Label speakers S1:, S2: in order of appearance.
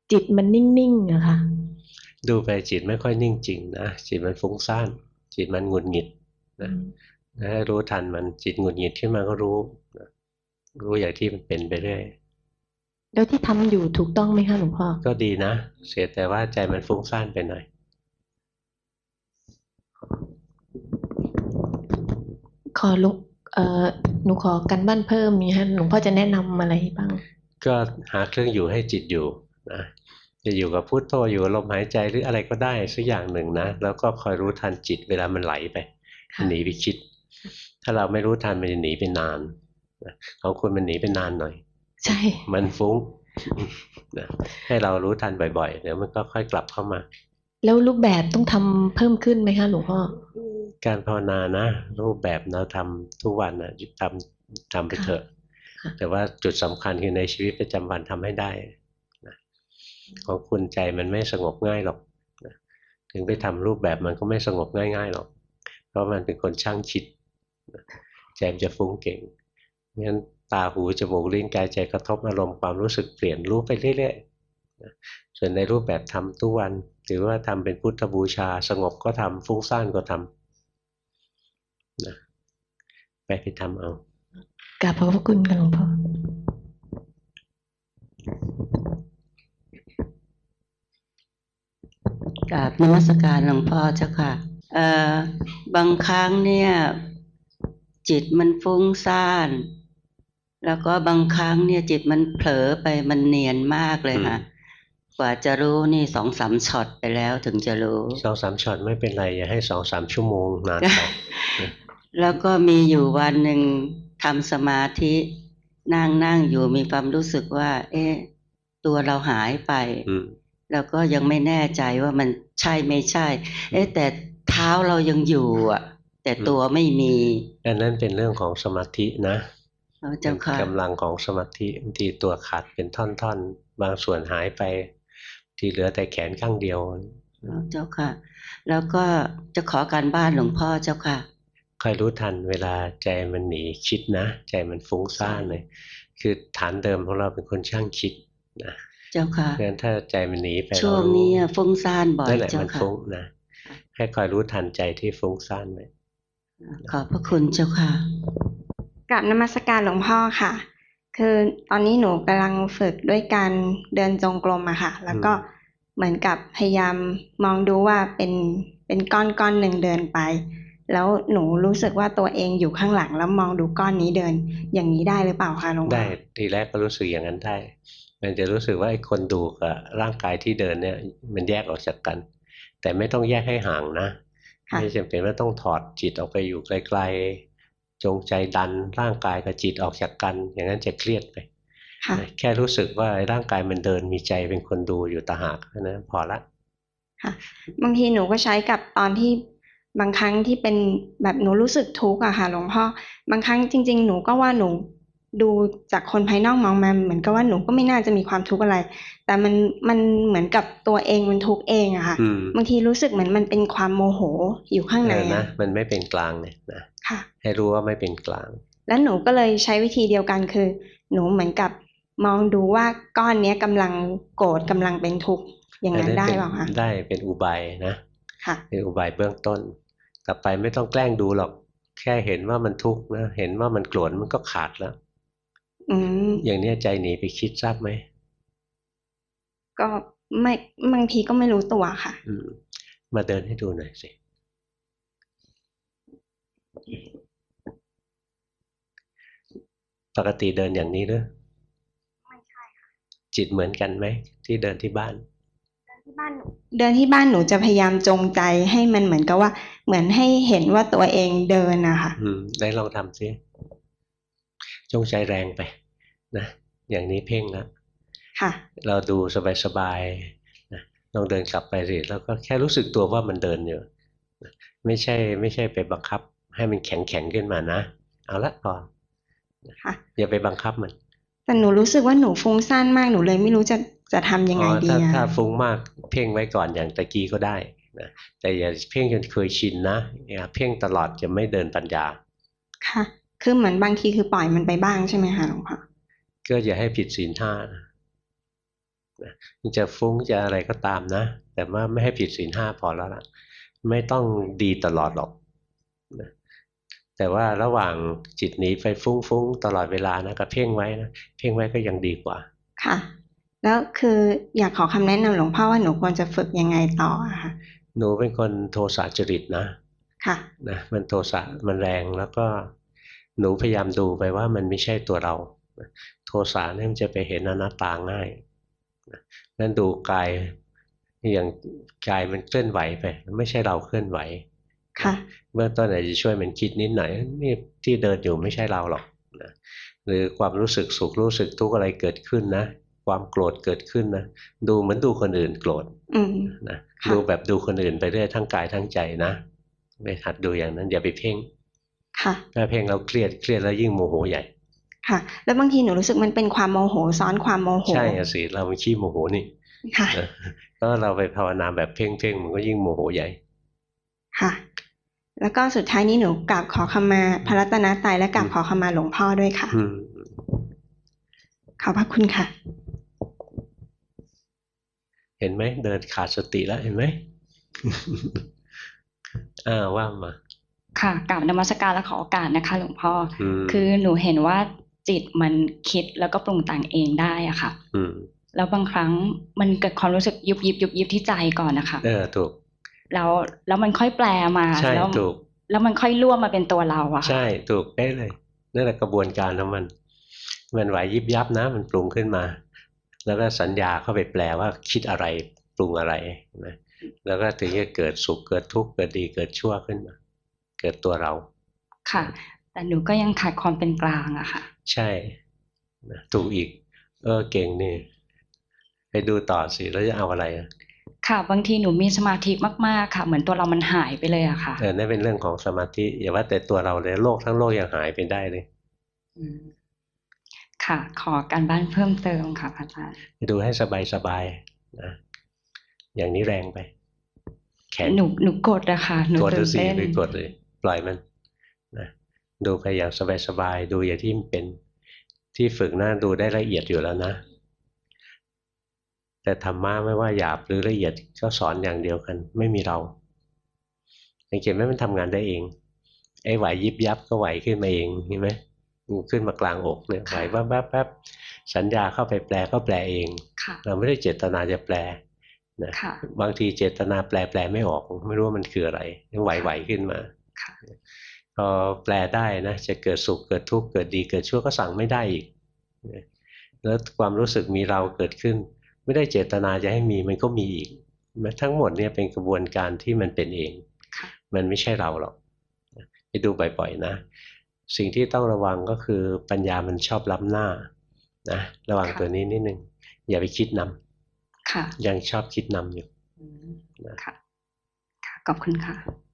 S1: จิตมันนิ่งๆอะค่ะ
S2: ดูไปจิตไม่ค่อยนิ่งจริงนะจิตมันฟุ้งซ่านจิตมันหงุดหงิดนะให้รู้ทันมันจิตหงุดหงิดขึ้นมาก็รู้นะรู้อย่างที่มันเป็นไปเรื่อย
S1: แล้วที่ทำอยู่ถูกต้องไหมคะหลวงพ่อ
S2: ก็ดีนะเสียแต่ว่าใจมันฟุ้งซ่านไปหน่อย
S1: ขอหลวงหนูขอกันบ้านเพิ่มมีฮะหลวงพ่อจะแนะนำอะไรบ้าง
S2: ก็หาเครื่องอยู่ให้จิตอยู่นะจะอยู่กับพุทโธอยู่กับลมหายใจหรืออะไรก็ได้สักอย่างหนึ่งนะแล้วก็คอยรู้ทันจิตเวลามันไหลไปมันหนีไปคิดถ้าเราไม่รู้ทันมันจะหนีไปนานนะของคุณมันหนีไปนานหน่อย
S1: ใช่
S2: มันฟุ้งนะให้เรารู้ทันบ่อยๆเดี๋ยวมันก็ค่อยกลับเข้ามา
S1: แล้วรูปแบบต้องทำเพิ่มขึ้นไหมคะหลวงพ่อ
S2: การภาวนานะรูปแบบเราทำทุกวันนะทำไปเถ
S1: ค่ะ
S2: อะแต่ว่าจุดสำคัญคือในชีวิตประจำวันทำให้ได้นะของคุณใจมันไม่สงบง่ายหรอกนะถึงไปทำรูปแบบมันก็ไม่สงบง่ายๆหรอกเพราะมันเป็นคนช่างคิดนะใจมันจะฟุ้งเก่งงั้นตาหูจมูกลิ้นกายใจกระทบอารมณ์ความรู้สึกเปลี่ยนรู้ไปเรื่อยๆนะส่วนในรูปแบบทำทุกวันถือว่าทำเป็นพุทธบูชาสงบก็ทำฟุ้งซ่านก็ทำนะไปทำเอา
S1: กราบขอบพระคุณค่ะหลวงพ่อ
S3: กราบนมัสการหลวงพ่อเจ้าค่ะเอ่อบางครั้งเนี่ยจิตมันฟุ้งซ่านแล้วก็บางครั้งเนี่ยจิตมันเผลอไปมันเนียนมากเลยค่ะกว่าจะรู้นี่2-3ช็อตไปแล้วถึงจะรู้
S2: 2-3ช็อตไม่เป็นไรอย่าให้2-3ชั่วโมงนานไป
S3: แล้วก็มีอยู่วันหนึ่งทำสมาธินั่งอยู่มีความรู้สึกว่าเอ๊ะตัวเราหายไปแล้วก็ยังไม่แน่ใจว่ามันใช่ไม่ใช่เอ๊ะแต่เท้าเรายังอยู่อ่ะแต่ตัวไม่มี
S2: อันนั้นเป็นเรื่องของสมาธินะ
S3: เจ้าค่ะ
S2: กำลังของสมาธิบางทีตัวขาดเป็นท่อนๆบางส่วนหายไปที่เหลือแต่แขนข้างเดียว
S3: เจ้าค่ะแล้วก็จะขอการบ้านหลวงพ่อเจ้าค่ะ
S2: คอยรู้ทันเวลาใจมันหนีคิดนะใจมันฟุ้งซ่านเลยคือฐานเดิมของเราเป็นคนช่างคิดนะ
S3: เจ้าค่ะ
S2: เพราะฉะนั้นถ้าใจมันหนีไป
S3: ช่วงนี้ฟุ้งซ่านบ่อย
S2: นั่นแหละ
S3: เจ้าค่ะ
S2: มันฟุ้งนะให้คอยรู้ทันใจที่ฟุ้งซ่านไว้
S3: ขอบพระคุณเจ้าค่ะ
S4: กราบนมัสการหลวงพ่อค่ะคือตอนนี้หนูกำลังฝึกด้วยการเดินจงกรมอะค่ะแล้วก็เหมือนกับพยายามมองดูว่าเป็นก้อนหนึ่งเดินไปแล้วหนูรู้สึกว่าตัวเองอยู่ข้างหลังแล้วมองดูก้อนนี้เดินอย่างนี้ได้หรือเปล่าคะหลวงพ่อ
S2: ได้ทีแรกก็รู้สึกอย่างนั้นได้มันจะรู้สึกว่าไอ้คนดูกับร่างกายที่เดินเนี่ยมันแยกออกจากกันแต่ไม่ต้องแยกให้ห่างนะไม่จำเป็นว่าต้องถอดจิตออกไปอยู่ไกลๆจงใจดันร่างกายกับจิตออกจากกันอย่างนั้นจะเครียดไปแค่รู้สึกว่าร่างกายมันเดินมีใจเป็นคนดูอยู่ต่างหากนะพอละ
S4: ค่ะบางทีหนูก็ใช้กับตอนที่บางครั้งที่เป็นแบบหนูรู้สึกทุกข์อะค่ะหลวงพ่อบางครั้งจริงๆหนูก็ว่าหนูดูจากคนภายนอกมองมาเหมือนกับว่าหนูก็ไม่น่าจะมีความทุกข์อะไรแต่มันเหมือนกับตัวเองมันทุกข์เองอะค่ะบางทีรู้สึกเหมือนมันเป็นความโมโหอยู่ข้างใน
S2: นะมันไม่เป็นกลางเลยนะให้รู้ว่าไม่เป็นกลาง
S4: แล้วหนูก็เลยใช้วิธีเดียวกันคือหนูเหมือนกับมองดูว่าก้อนนี้กำลังโกรธกำลังเป็นทุกข์อย่างนั้นได้เปล่าคะ
S2: ได้เป็นอุบายนะเป็นอุบายเบื้องต้นต่อไปไม่ต้องแกล้งดูหรอกแค่เห็นว่ามันทุกข์นะเห็นว่ามันโกรธมันก็ขาดแล้วอย่างนี้ใจหนีไปคิดทราบไหม
S4: ก็ไม่บางทีก็ไม่รู้ตัวค่ะ
S2: มาเดินให้ดูหน่อยสิปกติเดินอย่างนี้หรือ
S4: ไม่ใช่ค่ะ
S2: จิตเหมือนกันไหมที่เดินที่บ้าน
S4: เดินที่บ้านหนูจะพยายามจงใจให้มันเหมือนกับว่าเหมือนให้เห็นว่าตัวเองเดินนะคะ
S2: ได้ลองทำสิจงใจแรงไปนะอย่างนี้เพ่งแล้ว
S4: ค่ะ
S2: เราดูสบายๆนะลองเดินกลับไปสิแล้วก็แค่รู้สึกตัวว่ามันเดินอยู่ไม่ใช่ไปบังคับให้มันแข็งขึ้นมานะเอาละพอ
S4: ค่ะ
S2: อย่าไปบังคับมัน
S4: แต่หนูรู้สึกว่าหนูฟุ้งซ่านมากหนูเลยไม่รู้จะทำยังไงดี
S2: ถ้าฟุ้งมากเพ่งไว้ก่อนอย่างตะกี้ก็ได้นะแต่อย่าเพ่งจนเคยชินนะอย่าเพ่งตลอดจะไม่เดินปัญญา
S4: ค่ะคือเหมือนบางทีคือปล่อยมันไปบ้างใช่ไหมคะหลวงพ่อ
S2: ก็อย่าให้ผิดศีลห้านะมันจะฟุ้งจะอะไรก็ตามนะแต่ว่าไม่ให้ผิดศีล 5พอแล้วล่ะไม่ต้องดีตลอดหรอกนะแต่ว่าระหว่างจิตหนีไปฟุ้งตลอดเวลานะก็เพ่งไว้นะเพ่งไว้ก็ยังดีกว่า
S4: ค่ะแล้วคืออยากขอคำแนะนำหลวงพ่อว่าหนูควรจะฝึกยังไงต่ออะค่ะ
S2: หนูเป็นคนโทสะจริตนะ
S4: ค่ะ
S2: นะมันโทสะมันแรงแล้วก็หนูพยายามดูไปว่ามันไม่ใช่ตัวเราโทสะเนี่ยมันจะไปเห็นอนัตตาง่ายนั่นดูกายอย่างกายมันเคลื่อนไหวไปไม่ใช่เราเคลื่อนไหว
S4: ค่ะ
S2: เบื้องต้นอาจจะช่วยมันคิดนิดหน่อยนี่ที่เดินอยู่ไม่ใช่เราหรอกนะหรือความรู้สึกสุขรู้สึกทุกข์อะไรเกิดขึ้นนะความโกรธเกิดขึ้นนะดูเหมือนดูคนอื่นโกรธนะดูแบบดูคนอื่นไปเรื่อยทั้งกายทั้งใจนะไปหัดดูอย่างนั้นอย่าไปเพ่งถ้าเพ่งเราเครียดแล้วยิ่งโมโหใหญ่
S4: ค่ะแล้วบางทีหนูรู้สึกมันเป็นความโมโหซ้อนความโมโห
S2: ใช่สิเรามันขี้โมโหนี่
S4: ค่ะ
S2: แล้วเราไปภาวนาแบบเพ่งมันก็ยิ่งโมโหใหญ่
S4: ค่ะแล้วก็สุดท้ายนี้หนูกราบขอขมาพระรัตนตรัยและกราบขอขมาหลวงพ่อด้วยค่ะขอบพระคุณค่ะ
S2: เห็นไหมเดินขาดสติแล้วเห็นไหม ว่ามา
S5: ค่ะกราบนมัสการและขอโอกาสนะคะหลวงพ่อคือหนูเห็นว่าจิตมันคิดแล้วก็ปรุงแต่งเองได้อ่ะค่ะแล้วบางครั้งมันเกิดความรู้สึกยุบยิบที่ใจก่อนนะคะ
S2: ถูก
S5: แล้วมันค่อยแปลมา
S2: ใช่ถูก
S5: แล้วมันค่อยร่วมมาเป็นตัวเราอะ
S2: ใช่ถูกได้เลยนั่นแหละกระบวนการของมันไหวยิบยับนะมันปรุงขึ้นมาแล้วก็สัญญาเข้าไปแปลว่าคิดอะไรปรุงอะไรนะแล้วก็ถึงจะเกิดสุขเกิดทุกข์เกิดดีเกิดชั่วขึ้นมาเกิดตัวเรา
S5: ค่ะแต่หนูก็ยังขาดความเป็นกลางอะค่ะ
S2: ใช่ถูกอีกเก่งนี่ไปดูต่อสิแล้วจะเอาอะไร
S5: ค่ะบางทีหนูมีสมาธิมากๆค่ะเหมือนตัวเรามันหายไปเลยอะค่ะ
S2: นั่นเป็นเรื่องของสมาธิอย่าว่าแต่ตัวเราเลยโลกทั้งโลกยังหายไปได้เลย
S5: ค่ะขอการบ้านเพิ่มเติมค่ะพระอาจารย์
S2: ดูให้สบายนะอย่างนี้แรงไป
S5: แขนหนูกดอะค่ะหนูตื่นเต้น
S2: ไปกดเลยปล่อยมันนะดูไปอย่างสบายดูอย่างที่มันเป็นที่ฝึกหน้าดูได้ละเอียดอยู่แล้วนะแต่ธรรมะไม่ว่าหยาบหรือละเอียดก็สอนอย่างเดียวกันไม่มีเราสังเกตไหมมันทำงานได้เองไอ้ไหวยิบยับก็ไหวขึ้นมาเองเห็นไหมขึ้นมากลางอกเนี่ยไหวแป๊บสัญญาเข้าไปแปลก็แปลเองเราไม่ได้เจตนาจะแปลนะบางทีเจตนาแปลไม่ออกไม่รู้ว่ามันคืออะไรยังไหวขึ้นมาพอแปลได้นะจะเกิดสุขเกิดทุกข์เกิดดีเกิดชั่วก็สั่งไม่ได้อีกแล้วความรู้สึกมีเราเกิดขึ้นไม่ได้เจตนาจะให้มีมันก็มีอีกทั้งหมดเนี่ยเป็นกระบวนการที่มันเป็นเองมันไม่ใช่เราหรอกไปดูบ่อยๆนะสิ่งที่ต้องระวังก็คือปัญญามันชอบล้ำหน้านะระวังตัวนี้นิดนึงอย่าไปคิดนำยังชอบคิดนำอยู่
S5: ค่ะขอบคุณค่ะ